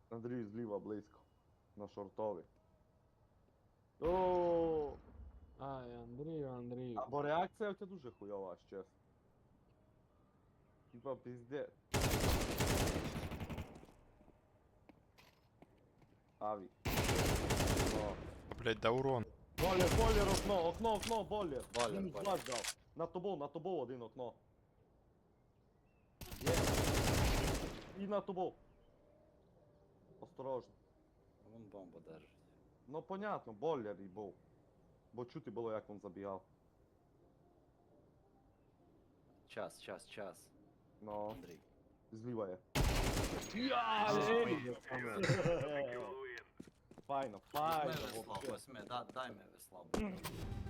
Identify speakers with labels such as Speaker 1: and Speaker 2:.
Speaker 1: Андрій зліва близько. На шортові. О,
Speaker 2: Ай, Андрію.
Speaker 1: або реакція у тебе дуже хуйова, аж чесно. Типа пізде. Аві. О.
Speaker 3: Блять, да урон.
Speaker 1: Болір, окно, болір.
Speaker 4: Болір,
Speaker 1: Мінус
Speaker 4: болір.
Speaker 1: 2 дав. На тобою один окно. Є. І на тобою. Осторожно.
Speaker 4: Вон бомбу держить.
Speaker 1: Ну понятно, болір і був. Бо чути було, як він забігав.
Speaker 4: Час.
Speaker 1: Ну,
Speaker 4: Андрій.
Speaker 1: зліва є. Файно,
Speaker 4: Візьми
Speaker 1: файно.
Speaker 4: весло,
Speaker 1: вообще.
Speaker 4: дай ми весло.